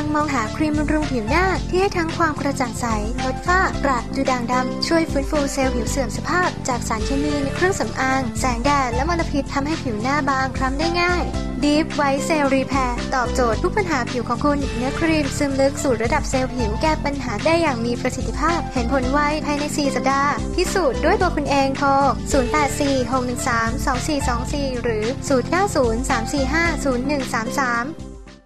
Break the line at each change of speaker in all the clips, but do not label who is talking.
งมองหาครีมบำรุงผิวหน้าที่ให้ทั้งความกระจ่างใสลดฝ้ากระดูด่างดำช่วยฟื้นฟูเซลล์ผิวเสื่อมสภาพจากสารเคมีในเครื่องสำอางแสงแดดและมลพิษทำให้ผิวหน้าบางคล้ำได้ง่าย Deep White Cell Repair ตอบโจทย์ทุกปัญหาผิวของคุณเนื้อครีมซึมลึกสู่ระดับเซลล์ผิวแก้ปัญหาได้อย่างมีประสิทธิภาพเห็นผลไวภายใน4สัปดาห์พิสูจน์ด้วยตัวคุณเองโทร0846132424หรือ0903450133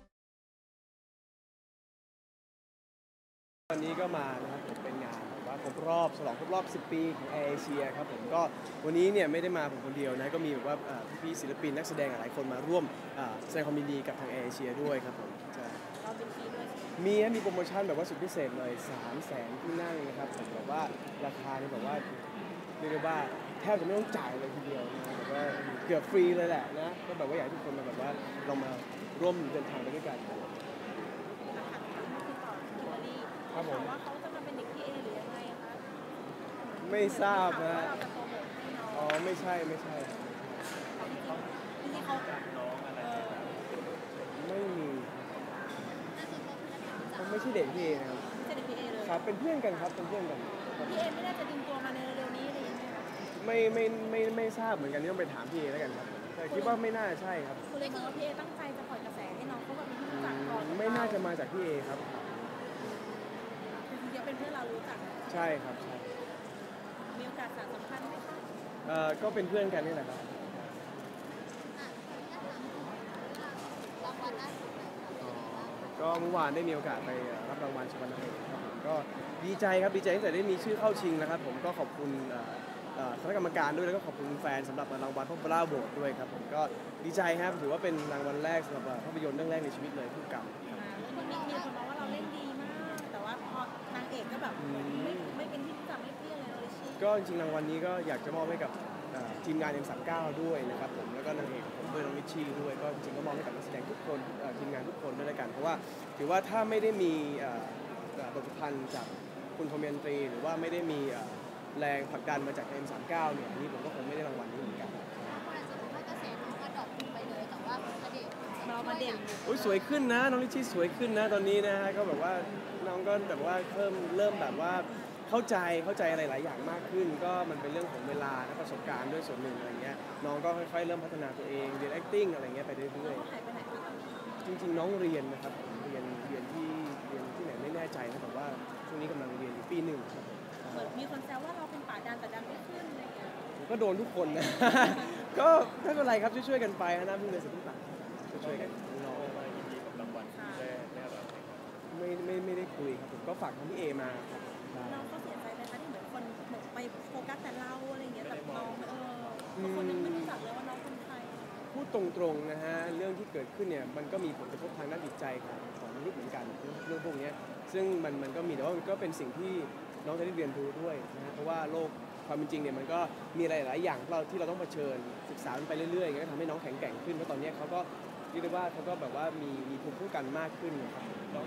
วันนี้ก็มานะครับผมเป็นงานแบบว่าฉลองครบรอบ 10 ปีของแอร์เอเชียครับผมก็วันนี้เนี่ยไม่ได้มาผมคนเดียวนะก็มีแบบว่าพี่ศิลปินนักแสดงหลายคนมาร่วมแสดงความยินดีกับทางแอร์เอเชียด้วยครับผม
เราเป็นฟรีด้วย
มีโปรโมชั่นแบบว่าสุดพิเศษเลย300,000ที่นั่งนะครับผมแบบว่าราคาเนี่ยแบบว่าเรียกว่าแทบจะไม่ต้องจ่ายเลยทีเดียวนะแบบว่าเกือบฟรีเลยแหละนะก็แบบว่าอยากให้ทุกคนมาแบบว่าเรามาร่วมเดินทางไปด้วยกันครับผม
ว่าเขาจะมาเป็นเด็กพี่เอหรือยังไงคะ
ไม่ทราบนะอ๋อไม่ใช่
ที่เขา
ไม่มีผมไม่ใช่เด็กพี่เอนะครับ
ไม่ใช่เด็กพี่เอเลย
ครับเป็นเพื่อนกันครับเป็นเพื่อนกัน
พี่เอไม่น่าจะดึงตัวมาในเร็วๆนี้อะไรอย่างเงี้ย
ไม่ทราบเหมือนกันนี่ต้องไปถามพี่เอแล้วกันครับแต่คิดว่าไม่น่าใช่ครับ
คุณเลยคิดว่าพี่เอตั้งใจจะปล่อยกระแสให้น้องเขาแบบมีที่รู้จักก่อน
ไม่น่าจะมาจากพี่เอครับ
คือเป็นเพื่อนเรารู้จัก
ใช่ครับใช่
มีโอกาสสานสัมพันธ์ไหมคะ
ก็เป็นเพื่อนกันนี่แหละครับก็เมื่อวานได้มีโอกาสไปรับรางวัลชวันนเอกครับผมก็ดีใจครับดีใจตั้งแต่ได้มีชื่อเข้าชิงนะครับผมก็ขอบคุณคณะกรรมการด้วยแล้วก็ขอบคุณแฟนสำหรับรางวัลพอปล่าโหวตด้วยครับผมก็ดีใจครับถือว่าเป็นรางวัลแรกสำหรับภาพยนตร์เรื่องแรกในชีวิตเลยผู้กำกับ
คนมีคนมองว่าเราเล่นดีมากแต่ว่าพอนางเอกก็แบบไม่เป็นที่รู้จักไม่เพี้ยเลยเลยชี
ก็จริงๆรางวัลนี้ก็อยากจะมอบให้กับทีมงาน M39 ด้วยนะครับผมแล้วก็นางเอกผมด้วยน้องวิชชี่ด้วยก็จริงๆก็มอบให้กับนักแสดงทุกคนทีมงานทุกคนด้วยกันเพราะว่าถือว่าถ้าไม่ได้มีบทประพันธ์จากคุณคอมเมนตรีหรือว่าไม่ได้มีแรงผลักดันมาจาก M39 เนี่ยนี่ผมก็คงไม่ได้รางวัลนี้เหมือนกัน
เรามาเด่น
สวยขึ้นนะน้องลิชชี่สวยขึ้นนะตอนนี้นะฮะก็แบบว่าน้องก็แบบว่าเริ่มแบบว่าเข้าใจอะไรหลายอย่างมากขึ้นก็มันเป็นเรื่องของเวลาและประสบการณ์ด้วยส่วนหนึ่งอะไรเงี้ยน้องก็ค่อยๆเริ่มพัฒนาตัวเองเรียน acting อะไรเงี้ยไปเรื่อยๆจริงๆน้องเรียนนะครับเรียนที่ไหนไม่แน่ใจนะแต่ว่าช่วงนี้กำลังเรียนอยู่ปี 1
เหมือนมีคนแซวว่าเราเป็นป่าดันแต่ดันไม่ขึ้นอะไรเงี้ย
ก็โดนทุกคนนะก็ไม่เป็นไรครับช่วยๆกันไปนะพึ่งเลยสุดที่ปากช่วยกันน้องมายินดีกับรางวัลได้รับไม่ได้คุยครับผมก็ฝากทางพี่เอมา
น้องก็เสียใจไหมคะที่เหมือนคนไปโฟกัสแต่เราอะไรเงี้ยแต่น้องคนยังไม่รู้จักเลยว่าน้องคนไทย
พูดตรงๆนะฮะเรื่องที่เกิดขึ้นเนี่ยมันก็มีผลกระทบทางด้านจิตใจของมนุษย์เหมือนกันเรื่องพวกนี้ซึ่งมันก็มีแต่ว่ามันก็เป็นสิ่งที่น้องจะได้เรียนรู้ด้วยนะฮะเพราะว่าโลกความเป็นจริงเนี่ยมันก็มีหลายๆอย่างที่เราต้องเผชิญศึกษาไปเรื่อยๆอย่างนี้ก็ทำให้น้องแข็งแกร่งขึ้นเพราะตอนนี้เขาก็เรียกได้ว่าเขาก็แบบว่ามีภูมิคุ้มกันมากขึ้นครับ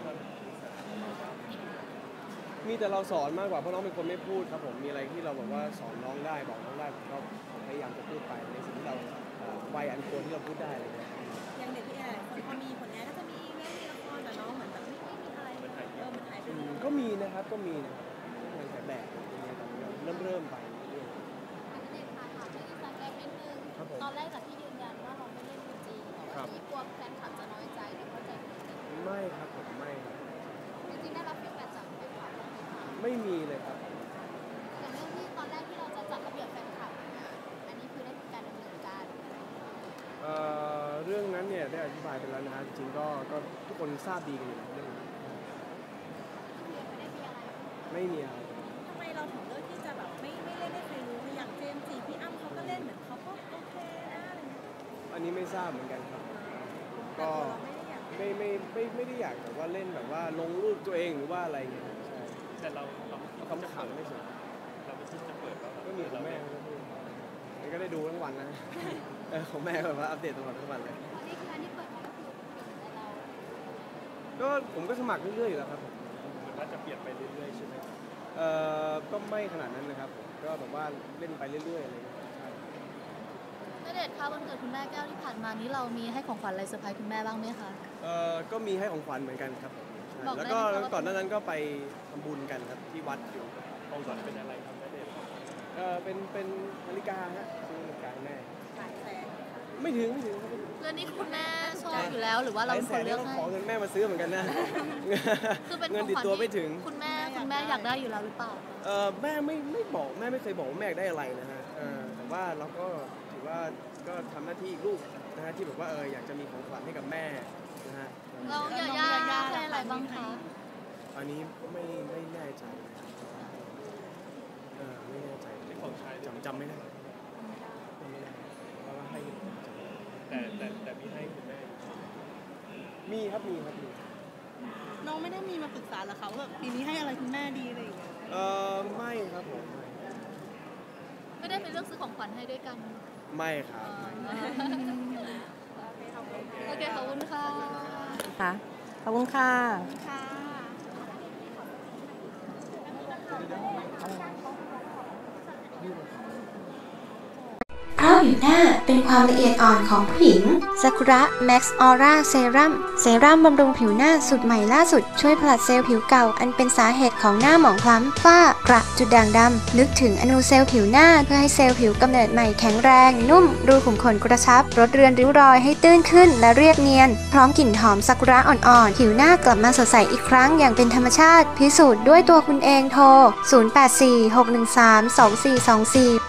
มีแต่เราสอนมากกว่าเพราะน้องเป็นคนไม่พูดครับผมมีอะไรที่เราบอกว่าสอนน้องได้บอกน้องได้ผมก็พยายามจะพูดไปในสิ่งที่เราวัยอันควรที่เราพูดได้อะไรเงี้ย
อย่างเด็กที่คนพอมีผลงานก็จะมีเล่นละครแต่น้องเหมือนแบบไม่มีอะไรมันหายไป
ก็มีนะครับงานถ่ายแบบเริ่มไป
ตอนแรกจากที่ยืนยันว่าเราไม่เล่นจริงที่กลัวแฟนคลับจะน้อยใจหรือเข้าใจผิด
ไม่ครับผมไม่
จริงๆได้รับฟีดแบ็กจากแฟนคลับไหมคะ
ไม่มีเลยครับ
อย่างเรื่องที่ตอนแรกที่เราจะจัดระเบียบแฟนคลับอันนี้คือได้มีการดำเนินการ
เรื่องนั้นเนี่ยได้อธิบายไปแล้วนะฮะจริงๆก็ทุกคนทราบดีกันอยู่เรื่องนี้ไม่มีอะไร
ทำไมเราถึงเลือกที่จะแบบไม่เล่นให้ใครรู้อย่างเจมส์จีพี่อ้ำเขาก็เล่นเหมือนเขาก็โอเคนะอะไรเงี้ย
อันนี้ไม่ทราบเหมือนกันครับก็ไม่ได้อยากแบบว่าเล่นแบบว่าลงรูปตัวเองหรือว่าอะไรเงี้ยใช่แต่เราคำขำไม่ใช่เราไม่คิดจะเปิดก็มีของแม่ก็ได้ดูทั้งวันนะของแม่แบบว่าอัปเดตตลอดทั้งวันเลย
นี่คืออันที่เปิดมาก็คือเรา
ก็ผมก็สมัครเรื่อยๆอยู่แล้วครับว่าจะเปลี่ยนไปเรื่อยๆใช่ไหมก็ไม่ขนาดนั้นนะครับก็แบบว่าเล่นไปเรื่อยๆอะไรอย่างเงี้ย
ณเดชน์คะวันเกิดคุณแม่แก้วที่ผ่านมานี้เรามีให้ของขวัญอะไรเซอร์ไพรส์คุณแม่บ้างไหมคะ
ก็มีให้ของขวัญเหมือนกันครับ
บอกได้
แล้ว
ไหม
ก็
คะว่า
ก่อนหน้านั้นก็ไปทำบุญกันครับที่วัดอยู่
ของขวัญเป็นอะไรครับณเดชน์
เป็นนาฬิกาฮะซื้อนาฬิกาให้แม่
หลายแสน
ไม่ถึงครับ
เรื่องนี้คุณแม่ชอบอยู่แล้วหรือว่าเราเป็นคนเลือก
ต้อง
ให้
ขอเงินแม่มาซื้อเหมือนกันนะ
คือเป็น
เงิ
ข
น
อง
ติด
ขวัญ
ตัว
ที่
ไม่ถึง
คุณแม่อยากได้อยู่แล้วหรือเปล่า
แม่ไม่บอกแม่ไม่เคยบอกว่าแม่อยากได้อะไรนะฮะแต่ว่าเราก็ถือว่าก็ทำหน้าที่ลูกนะฮะที่แบบว่าอยากจะมีของขวัญให้กับแม่นะฮะ
เราอยากให้อะไรบ้างคะ
อันนี้ไม่แน่ใจไม่แน่ใจ
เป็นของชายด้วย
จำไม่ได้เพราะว่าให้
แต่มีให้คุณแม่
มีครับมี
น้องไม่ได้มีมาปรึกษาเหรอคะว่าแบบปีนี้ให้อะไรคุณแม่ดีอะไรอย่างเงี้ย
ไม่ครับผม
ไม่ได้เป็นเรื่องซื้อของขวัญให้ด้วยกัน
ไม่ครับ
โอเคขอบคุณค่ะ
ค่ะขอบคุณค่ะ
ค่ะ
เพราะผิวหน้าเป็นความละเอียดอ่อนของผู้หญิงซากุระ Max Aura Serum เซรั่มบำรุงผิวหน้าสูตรใหม่ล่าสุดช่วยผลัดเซลล์ผิวเก่าอันเป็นสาเหตุของหน้าหมองคล้ำฝ้ากระจุดด่างดำลึกถึงอนูเซลล์ผิวหน้าเพื่อให้เซลล์ผิวกำเนิดใหม่แข็งแรงนุ่มรูขุมขนกระชับลดเรือนริ้วรอยให้ตื้นขึ้นและเรียบเนียนพร้อมกลิ่นหอมซากุระอ่อนๆผิวหน้ากลับมาสดใสอีกครั้งอย่างเป็นธรรมชาติพิสูจน์ด้วยตัวคุณเองโทร 0846132424